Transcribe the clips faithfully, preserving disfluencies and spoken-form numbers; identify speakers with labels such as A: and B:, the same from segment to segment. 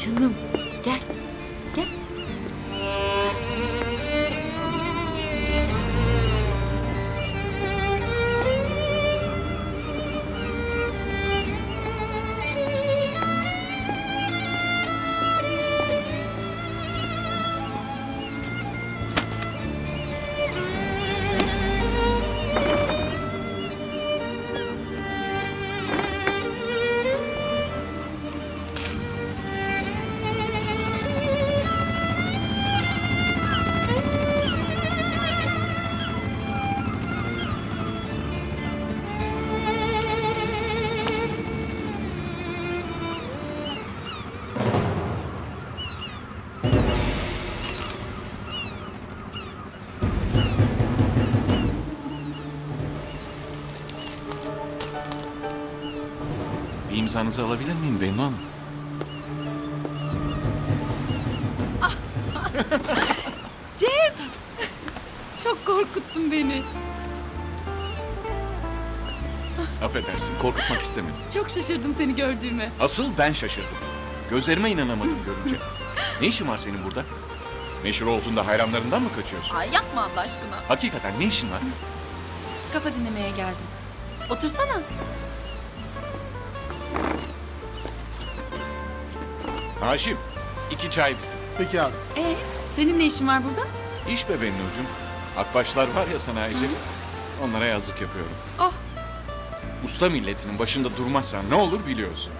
A: Canım gel. Gel.
B: Bir imzanızı alabilir miyim Bennu Hanım?
A: Cem! Çok korkuttun beni.
B: Affedersin, korkutmak istemedim.
A: Çok şaşırdım seni gördüğüme.
B: Asıl ben şaşırdım. Gözlerime inanamadım görünce. Ne işin var senin burada? Meşhur olduğunda hayranlarından mı kaçıyorsun?
A: Ay yapma Allah aşkına.
B: Hakikaten ne işin var?
A: Kafa dinlemeye geldim. Otursana.
B: Haşim, iki çay bize.
C: Peki abi.
A: Ee, senin ne işin var burada?
B: İş be Bennucuğum. Akbaşlar var ya sanayici. Onlara yazlık yapıyorum.
A: Oh,
B: Usta milletinin başında durmazsan ne olur biliyorsun.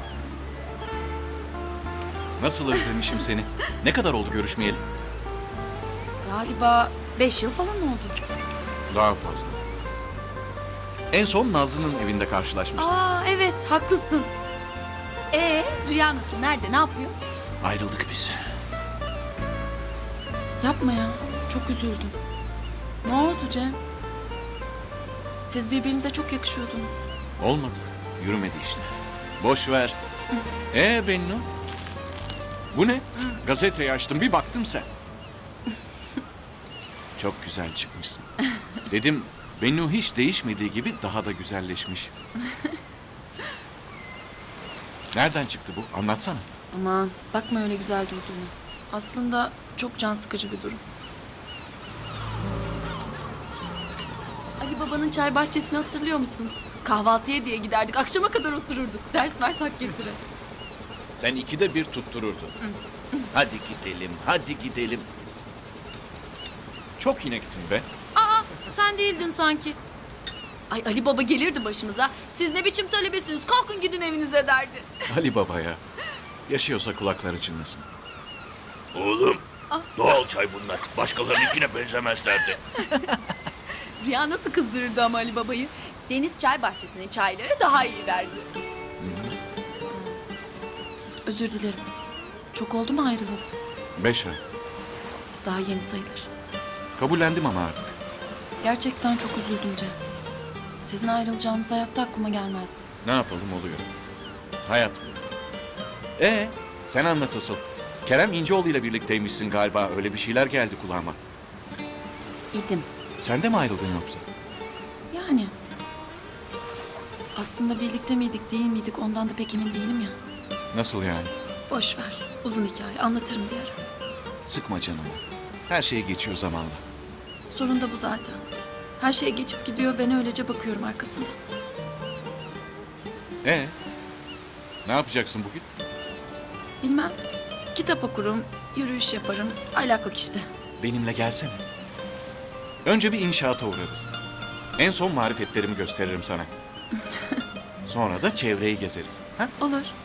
B: Nasıl özlemişim seni. Ne kadar oldu görüşmeyeli?
A: galiba beş yıl falan oldu.
B: Daha fazla. En son Nazlı'nın evinde karşılaşmıştık.
A: Aa evet, haklısın. Ee, Rüya nasıl? Nerede? Ne yapıyor?
B: Ayrıldık biz.
A: Yapma ya. Çok üzüldüm. Ne oldu Cem? Siz birbirinize çok yakışıyordunuz.
B: Olmadı. Yürümedi işte. Boş ver. Ee Bennu? Bu ne? Gazeteyi açtım bir baktım sen. Çok güzel çıkmışsın. Dedim Bennu hiç değişmediği gibi daha da güzelleşmiş. Nereden çıktı bu? Anlatsana.
A: Aman bakma öyle güzel durduğuna. Aslında çok can sıkıcı bir durum. Ali Baba'nın çay bahçesini hatırlıyor musun? Kahvaltıya diye giderdik. Akşama kadar otururduk. Ders mers hak getire.
B: Sen ikide bir tuttururdun. Hadi gidelim, hadi gidelim. Çok inektin be.
A: Aa sen değildin sanki. Ay Ali Baba gelirdi başımıza. Siz ne biçim talebesiniz? Kalkın gidin evinize derdi.
B: Ali Baba ya. Yaşıyorsa kulakları çınlasın.
D: Oğlum, doğal çay bunlar. Başkalarınınkine benzemezlerdi.
A: Rüya nasıl kızdırırdı ama Ali Baba'yı? Deniz çay bahçesinin çayları daha iyi derdi. Özür dilerim. Çok oldu mu ayrılalı?
B: Beş ay.
A: Daha yeni sayılır.
B: Kabullendim ama artık.
A: Gerçekten çok üzüldüm Cem. Sizin ayrılacağınız hayatta aklıma gelmezdi.
B: Ne yapalım oluyor. Hayat bu. Ee, sen anlat asıl. Kerem İnceoğlu ile birlikteymişsin galiba. Öyle bir şeyler geldi kulağıma.
A: İdim.
B: Sen de mi ayrıldın yoksa?
A: Yani. Aslında birlikte miydik değil miydik ondan da pek emin değilim ya.
B: Nasıl yani?
A: Boş ver. Uzun hikaye anlatırım bir ara.
B: Sıkma canımı. Her şey geçiyor zamanla.
A: Sorun da bu zaten. Her şey geçip gidiyor ben öylece bakıyorum arkasından.
B: Ee, ne yapacaksın bugün?
A: Bilmem. Kitap okurum, yürüyüş yaparım. Aylaklık işte.
B: Benimle gelsene. Önce bir inşaata uğrarız. En son marifetlerimi gösteririm sana. Sonra da çevreyi gezeriz. Ha?
A: Olur.